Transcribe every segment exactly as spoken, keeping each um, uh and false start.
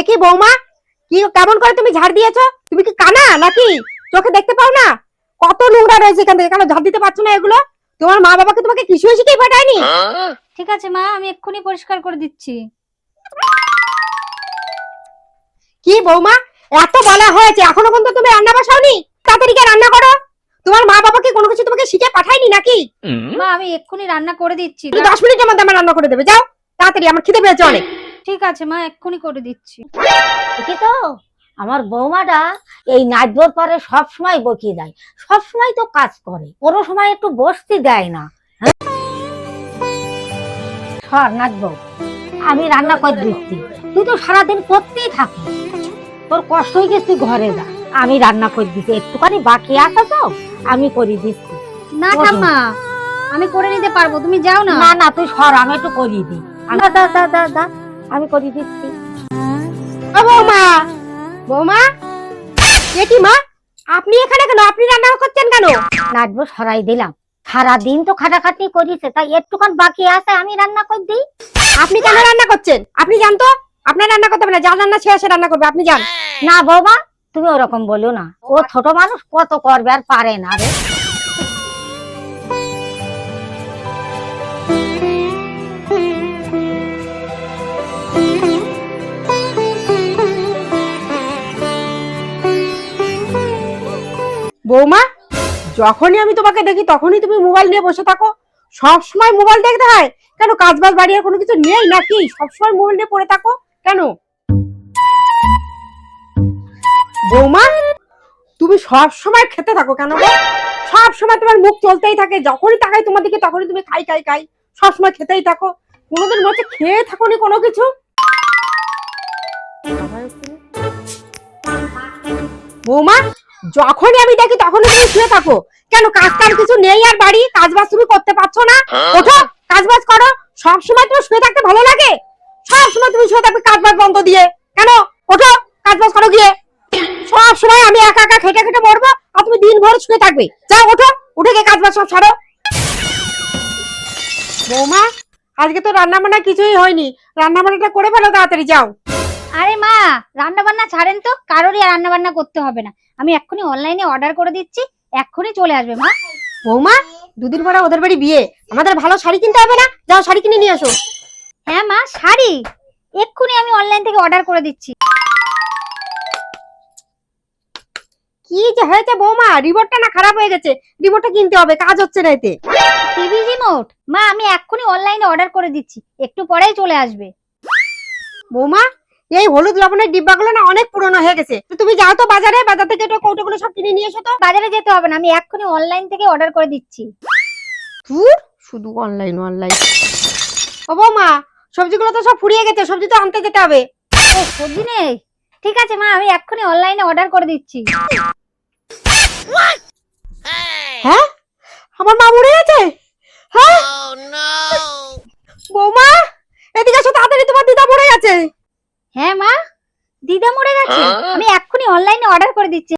কি বৌমা, কি কেমন করে তুমি ঝাড় দিয়েছো? তুমি কি কানা নাকি? চোখে দেখতে পাও না কত নোংরা রয়েছে এখান থেকে? কেন ঝাড় দিতে পারছো না এগুলো? তোমার মা বাবাকে তোমাকে কিছুই শিখিয়ে পাঠায়নি? ঠিক আছে মা, আমি এক্ষুনি পরিষ্কার করে দিচ্ছি। কি বৌমা, এত বলা হয়েছে এখনো পর্যন্ত তুমি রান্না বসাওনি? তাড়াতাড়ি গিয়ে রান্না করো। তোমার মা বাবাকে কোনো কিছু তোমাকে শিখে পাঠায়নি নাকি? মা আমি এক্ষুনি রান্না করে দিচ্ছি। তুমি দশ মিনিটের মধ্যে আমার রান্না করে দেবে, যাও তাড়াতাড়ি, আমার খিদে পেয়েছে অনেক। ঠিক আছে মা, এক্ষুনি করে দিচ্ছি। দেখি তো আমার বৌমাটা এই নাচবোর পরে সব সময় বকিয়ে দেয়, সব সময় তো কাজ করে, কোনো সময় একটু বসতে দেয় না। হ্যাঁ সর নাচবো, আমি রান্না করে দিচ্ছি, তুই তো সারাদিন করতেই থাকিস, তোর কষ্ট হয়ে গেছে, তুই ঘরে যা, আমি রান্না করে দিচ্ছি, একটুখানি বাকি আছে তো আমি করে দিচ্ছি। না ঠাম্মা, আমি করে নিতে পারবো, তুমি যাও না। না না তুই সর, আমি একটু করিয়ে দিই, দা দা দা দা দা আমি করে দিচ্ছি। ও বৌমা, বৌমা, এ কি মা, আপনি এখানে কেন? আপনি রান্না করছেন কেন? নাচবো সরাই দিলাম, সারাদিন তো খাটাখাটনি করিছে, তাই একটুখান বাকি আছে আমি রান্না করে দিই। আপনি কেন রান্না করছেন? আপনি জান তো আপনার রান্না করতে হবে না, যা রান্না সে আসে রান্না করবে, আপনি যান। না বাবা, তুমি ওরকম বলো না, ও ছোট মানুষ, কত করবে আর পারে না রে। বৌমা, যখনই আমি তোমাকে দেখি তখনই তুমি মোবাইল নিয়ে বসে থাকো। সব সময় মোবাইল দেখতে হয় কেন? কাজ বাজ বাড়ি আর কোনো কিছু নেই নাকি? সব সময় মোবাইল নিয়ে পড়ে থাকো কেন? বৌমা, তুমি সব সময় খেতে থাকো কেন গো? সব সময় তোমার মুখ চলতেই থাকে, যখনই তাকাই তোমার দিকে তখনই তুমি খাই খাই খাই, সব সময় খেতেই থাকো। কোনোদিন মনে খেয়ে থাকো নি কোনো কিছু? বৌমা, যখনই আমি দেখি তখনই তুমি শুয়ে থাকো কেন? কাজ কাম কিছু নেই আর বাড়ি কাজ বাজ তুমি করতে পারছো না? ওঠো, কাজ বাজ করো। সব সময় তোমার শুয়ে থাকতে ভালো লাগে? সব সময় তুমি শুয়ে থাকবে কাজ বাজ বন্ধ দিয়ে কেন? ওঠো, কাজ বাজ করো গিয়ে। সব সময় আমি একা একা খেটে খেটে মরবো আর তুমি দিন ভর শুয়ে থাকবে। যাও ওঠো, উঠে গিয়ে কাজ বাজ সব ছাড়ো। বৌমা, আজকে তো রান্না বান্না কিছুই হয়নি, রান্না বান্নাটা করে ফেলো তাড়াতাড়ি, যাও। আরে মা, রান্না বান্না ছাড়েন তো, কারোরই রান্না বান্না করতে হবে না, আমি এক্ষুনি অনলাইনে অর্ডার করে দিচ্ছি, এক্ষুনি চলে আসবে মা। বৌমা, দুদিন পরে ওদের বাড়ি বিয়ে, আমাদের ভালো শাড়ি কিনতে হবে না? যাও শাড়ি কিনে নিয়ে আসো। হ্যাঁ মা, শাড়ি এক্ষুনি আমি অনলাইন থেকে অর্ডার করে দিচ্ছি। কি যে হয়েছে বৌমা, রিমোটটা না খারাপ হয়ে গেছে, রিমোটটা কিনতে হবে, কাজ হচ্ছে না এতে। TV remote? মা আমি এক্ষুনি অনলাইনে অর্ডার করে দিচ্ছি, একটু পরেই চলে আসবে। বৌমা, এই হলুদ লবণের ডিব্বাগুলো না অনেক পুরনো হয়ে গেছে, তো তুমি যাও তো বাজারে, বাজার থেকে একটু কৌটোগুলো সব কিনে নিয়ে এসো তো। বাজারে যেতে হবে না, আমি এক্ষুনি অনলাইন থেকে অর্ডার করে দিচ্ছি। ধুর, শুধু অনলাইন অনলাইন। ও বৌমা, সবজিগুলো তো সব ফুরিয়ে গেছে, সবজি তো আনতে যেতে হবে। ও সবজি নেই? ঠিক আছে মা, আমি এক্ষুনি অনলাইনে অর্ডার করে দিচ্ছি। হ্যাঁ, আমার মা মরে গেছে? হ্যাঁ বৌমা, এদিকে এসো তাড়াতাড়ি, তোমার দিদা মরে গেছে। হ্যাঁ মা, দিদা মরে গেছে, আমি এক্ষুনি অনলাইনে অর্ডার করে দিচ্ছি।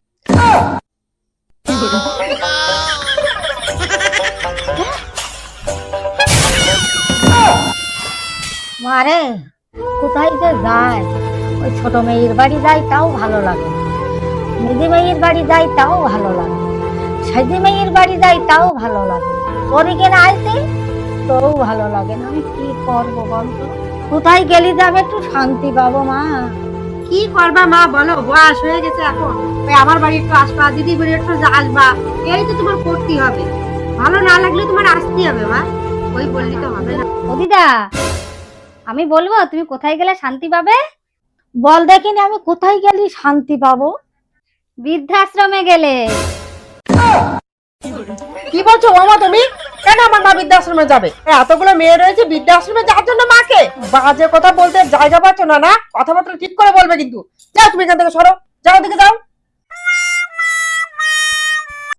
মারে কোথায় যে যায়, ওই ছোট মেয়ের বাড়ি যাই তাও ভালো লাগে, মেজি মেয়ের বাড়ি যাই তাও ভালো লাগে, সাজি মেয়ের বাড়ি যাই তাও ভালো লাগে, ওর এখানে আসতে তোও ভালো লাগে না। আমি কি করবো বলতো, কোথায় গেলে যাবে একটু শান্তি পাবো মা? কি করবা মা বলো, বয়স হয়ে গেছে এখন, ওই আমার বাড়ি একটু আসবা, দিদি বাড়ি একটু আসবা, এই তো তোমার করতেই হবে। ভালো না লাগলে তোমার আসতেই হবে মা, ওই বললি তো হবে না। ও দিদা, আমি বলবো তুমি কোথায় গেলে শান্তি পাবে? বল দেখিনি আমি কোথায় গেলে শান্তি পাবো? বৃদ্ধাশ্রমে গেলে। কি বলছো মামা তুমি? কেন আমার মা বৃদ্ধাশ্রমে যাবে? এতগুলো মেয়ে রয়েছে, বৃদ্ধাশ্রমে যাওয়ার জন্য মাকে? বাজে কথা বলতে জায়গা পাচ্ছ না, না কথাবার্তা ঠিক করে বলবে কিন্তু। যাও তুমি এখান থেকে সরো, যাও, দিকে যাও।